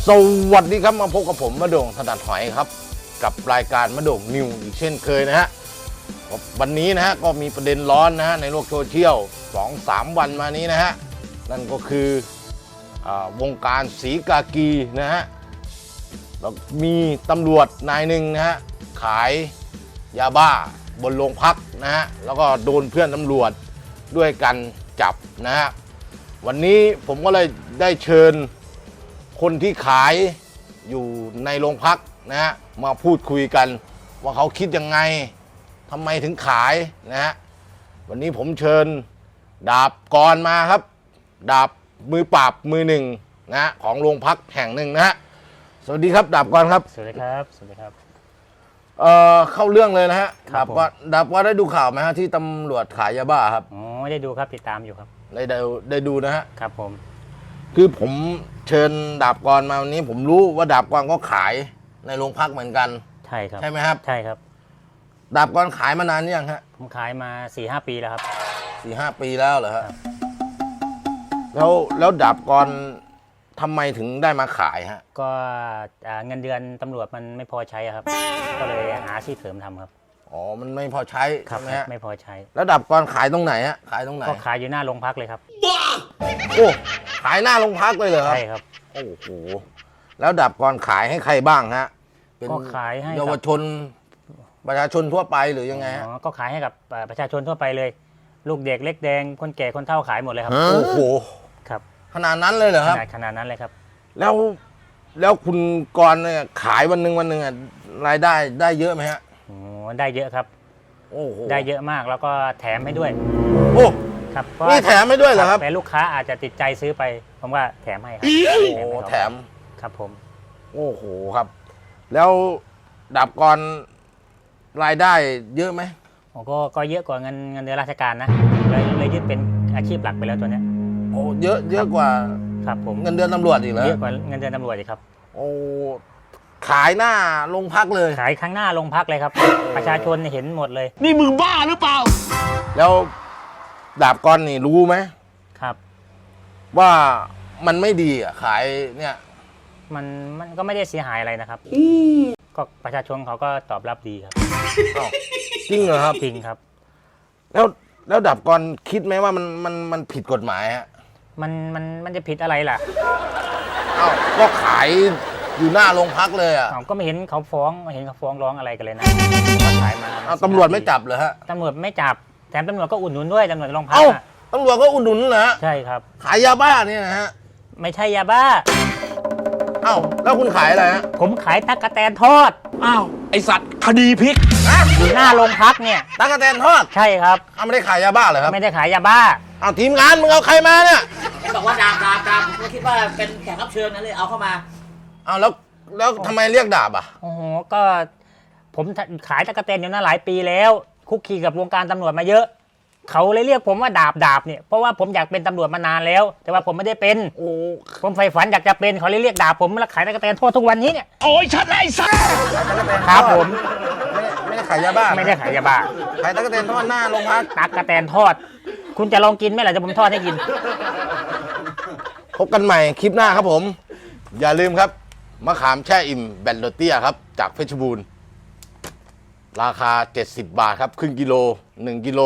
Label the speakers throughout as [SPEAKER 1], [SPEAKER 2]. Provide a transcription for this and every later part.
[SPEAKER 1] สวัสดีครับมาพบกับผมมะโด่งถนัดหอยครับกับรายการมะโด่งนิวอีกเช่นเคยนะฮะวันนี้นะฮะก็มีประเด็นร้อนนะฮะในโลกโซเชียล 2-3 วันมานี้นะฮะนั่นก็คือวงการสีกากีนะฮะแล้วมีตำรวจนายหนึ่งนะฮะขายยาบ้าบนโรงพักนะฮะแล้วก็โดนเพื่อนตำรวจด้วยกันจับนะฮะวันนี้ผมก็เลยได้เชิญคนที่ขายอยู่ในโรงพักนะฮะมาพูดคุยกันว่าเขาคิดยังไงทำไมถึงขายนะฮะวันนี้ผมเชิญดาบกรมาครับดาบมือปราบมือหนึ่งนะฮะของโรงพักแห่งหนึ่งนะฮะสวัสดีครับดาบกรครับ
[SPEAKER 2] สวัสดีครับสวัสดีครับ
[SPEAKER 1] เข้าเรื่องเลยนะฮะ
[SPEAKER 2] ดา
[SPEAKER 1] บกรได้ดูข่าวไหมฮะที่ตำรวจขายยาบ้าครับ
[SPEAKER 2] อ๋อได้ดูครับติดตามอยู่ครับ
[SPEAKER 1] ได้ดูนะฮะ
[SPEAKER 2] ครับผม
[SPEAKER 1] คือผมเชิญดาบกรมาวันนี้ผมรู้ว่าดาบกรก็ขายในโรงพักเหมือนกัน
[SPEAKER 2] ใช่ครับ
[SPEAKER 1] ใช่ไหมครับ
[SPEAKER 2] ใช่ครับ
[SPEAKER 1] ดาบกรขายมานานยังฮะ
[SPEAKER 2] ผมขายมา 4-5 ปีแล้วครับ
[SPEAKER 1] 4-5 ปีแล้วเหรอฮะแล้วดาบกรทำไมถึงได้มาขายฮะ
[SPEAKER 2] ก็เงินเดือนตำรวจมันไม่พอใช้ครับก็เลยหาอาชีพเสริมทำครับ
[SPEAKER 1] อ๋อมันไม่พอใช้
[SPEAKER 2] ครับ
[SPEAKER 1] ใช่ไหมฮะ
[SPEAKER 2] ไม่พอใช้
[SPEAKER 1] แล้วดาบกรขายตรงไหนฮะขายตรงไหน
[SPEAKER 2] ก็ขายอยู่หน้าโรงพักเลยครับ
[SPEAKER 1] โอ้ขายหน้าโรงพักเลยเหรอครับ
[SPEAKER 2] ใช่ครับ
[SPEAKER 1] โอ้โหแล้วดาบกรขายให้ใครบ้างฮะ
[SPEAKER 2] ก็ขายให้
[SPEAKER 1] เยาวชนประชาชนทั่วไปหรือยังไงฮะ
[SPEAKER 2] ก็ขายให้กับประชาชนทั่วไปเลยลูกเด็กเล็กแดงคนแก่คนเฒ่าขายหมดเลยครับ
[SPEAKER 1] โอ้โห
[SPEAKER 2] ครับ
[SPEAKER 1] ขนาดนั้นเลยเหรอครับ
[SPEAKER 2] ขนาดนั้นเลยครับ
[SPEAKER 1] แล้วคุณกรเนี่ยขายวันหนึ่งอ่ะรายได้เยอะไหมฮะ
[SPEAKER 2] โอ้ได้เยอะครับ
[SPEAKER 1] โอ้โห
[SPEAKER 2] ได้เยอะมากแล้วก็แถมให้ด้วย
[SPEAKER 1] โอ้
[SPEAKER 2] ครับ
[SPEAKER 1] นี่แถมให้ด้วยเหรอครับ
[SPEAKER 2] แต่ลูกค้าอาจจะติดใจซื้อไปผมว่าแถมให้ครับ
[SPEAKER 1] โอ้แถม
[SPEAKER 2] ครับผม
[SPEAKER 1] โอ้โหครับแล้วดาบกรรายได้เยอะไหม
[SPEAKER 2] ก็เยอะกว่าเงินเดือนราชการนะเลยยึดเป็นอาชีพหลักไปแล้วตัวเนี้ย
[SPEAKER 1] โอ้เยอะกว่า
[SPEAKER 2] ครับผม
[SPEAKER 1] เงินเดือนตำรวจอีกเหรอ
[SPEAKER 2] เยอะกว่าเงินเดือนตำรวจอีกครับ
[SPEAKER 1] โอ้ขายหน้าโรงพักเลย
[SPEAKER 2] ขายข้างหน้าโรงพักเลยครับประชาชนเห็นหมดเลย
[SPEAKER 1] นี่มึงบ้าหรือเปล่าแล้วดาบกรนี่รู้ไหม
[SPEAKER 2] ครับ
[SPEAKER 1] ว่ามันไม่ดีอ่ะขายเนี่ย
[SPEAKER 2] มันก็ไม่ได้เสียหายอะไรนะครับก็ประชาชนเขาก็ตอบรับดีครับ
[SPEAKER 1] จริงเหรอครับ
[SPEAKER 2] จริงครับ
[SPEAKER 1] แล้วดาบกรคิดไหมว่ามันผิดกฎหมายฮะ
[SPEAKER 2] มันจะผิดอะไรล่ะ
[SPEAKER 1] ก็ขายอยู่หน้าโรงพักเลยอ่ะ
[SPEAKER 2] ก็ไม่เห็นเขาฟ้องร้องอะไรกันเลยนะขายมา
[SPEAKER 1] ตำรวจไม่จับเหรอฮะ
[SPEAKER 2] ตำรวจไม่จับแถมตำรวจก็อุดหนุนด้วยตำรวจโรงพัก
[SPEAKER 1] ตำรวจก็อุดหนุนเหรอ
[SPEAKER 2] ใช่ครับ
[SPEAKER 1] ขายยาบ้าเนี่ยนะฮะ
[SPEAKER 2] ไม่ใช่ยาบ้า
[SPEAKER 1] แล้วคุณขายอะไรฮะ
[SPEAKER 2] ผมขายตั๊กแตนทอด
[SPEAKER 1] ไอสัตว์คดีพลิก
[SPEAKER 2] อยู่หน้าโรงพักเนี่ย
[SPEAKER 1] ตั๊กแตนทอด
[SPEAKER 2] ใช่ครับ
[SPEAKER 1] ไม่ได้ขายยาบ้าเหรอครับ
[SPEAKER 2] ไม่ได้ขายยาบ้า
[SPEAKER 1] ทีมงานมึงเอาใครมาเนี่ย
[SPEAKER 3] บอกว่าดาบผมก็คิดว่าเป็นแขกรับเชิญนั่นเลยเอาเข้ามา
[SPEAKER 1] แล้วทำไมเรียกดาบอ่ะ
[SPEAKER 2] โอ้โหก็ผมขายตั๊กแตนอยู่หน้าหลายปีแล้วคุกคีกับวงการตำรวจมาเยอะเขาเลยเรียกผมว่าดาบเนี่ยเพราะว่าผมอยากเป็นตำรวจมานานแล้วแต่ว่าผมไม่ได้เป็นผมใฝ่ฝันอยากจะเป็นเขาเลยเรียกดาบผมแล้วขายตั๊กแตนทอดทุกวันนี้เนี่ย
[SPEAKER 1] โอ้ยชัดเลยสัส
[SPEAKER 2] ครับผม
[SPEAKER 1] ไม่ได้ขายยาบ้า
[SPEAKER 2] ไม่ได้ขายยาบ้า
[SPEAKER 1] ขายตั๊กแตนทอดหน้าโรงพัก
[SPEAKER 2] ตั๊กแตนทอดคุณจะลองกินไหมล่ะจะผมทอดให้กิน
[SPEAKER 1] พบกันใหม่คลิปหน้าครับผมอย่าลืมครับมะขามแช่อิ่มแบนโรเตียครับจากเพชรบูรณ์ราคา70 บาทครับครึ่งกิโล1กิโล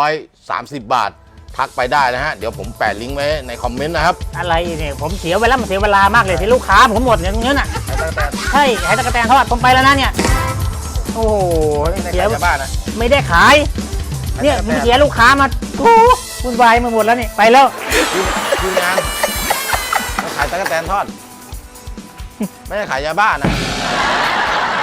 [SPEAKER 1] 130 บาททักไปได้นะฮะเดี๋ยวผมแปะลิงก์ไว้ในคอมเมนต์นะครับ
[SPEAKER 2] อะไรเนี่ยผมเสียเวลามากเลยที่ลูกค้าผมหมดอย่างเงี้ยน่ะใช่ขายตั๊กแตนทอดผมไปแล้วนะเนี่ยโอ้โห
[SPEAKER 1] เสียบ้านนะ
[SPEAKER 2] ไม่ได้ขายเนี่ยมึงเสียลูกค้ามาวุ่นวายมาหมดแล้วนี่ไปแล้ว
[SPEAKER 1] ทีมงานขายตั๊กแตนทอดไม่ได้ขายยาบ้านะ